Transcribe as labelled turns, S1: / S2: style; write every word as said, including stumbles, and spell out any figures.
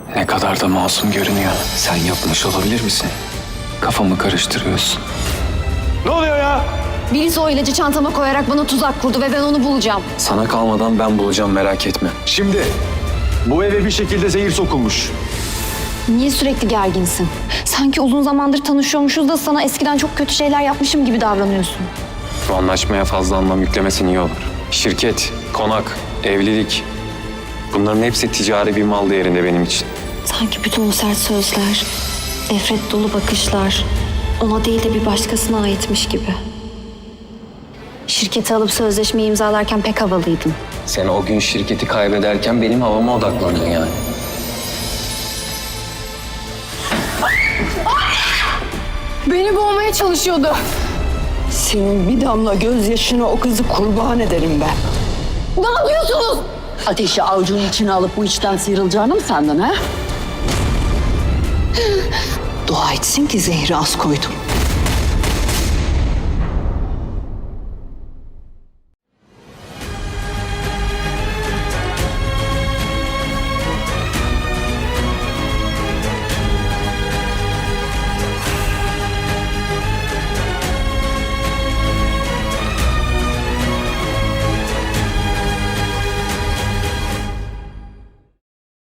S1: Ne kadar da masum görünüyor. Sen yapmış olabilir misin? Kafamı karıştırıyorsun.
S2: Ne oluyor ya?
S3: Birisi o ilacı çantama koyarak bana tuzak kurdu ve ben onu bulacağım.
S1: Sana kalmadan ben bulacağım, merak etme.
S2: Şimdi bu eve bir şekilde zehir sokulmuş.
S3: Niye sürekli gerginsin? Sanki uzun zamandır tanışıyormuşuz da sana eskiden çok kötü şeyler yapmışım gibi davranıyorsun.
S1: Bu anlaşmaya fazla anlam yüklemesin iyi olur. Şirket, konak, evlilik. Bunların hepsi ticari bir mal değerinde benim için.
S3: Sanki bütün o sert sözler, nefret dolu bakışlar ona değil de bir başkasına aitmiş gibi. Şirketi alıp sözleşmeyi imzalarken pek havalıydın.
S1: Sen o gün şirketi kaybederken benim havama odaklandın yani.
S3: Beni boğmaya çalışıyordu.
S4: Senin bir damla gözyaşına o kızı kurban ederim ben.
S3: Ne yapıyorsunuz?
S4: Ateşi avucunun içine alıp bu içten sıyrılacağını mı sandın ha? Dua etsin ki zehri az koydum.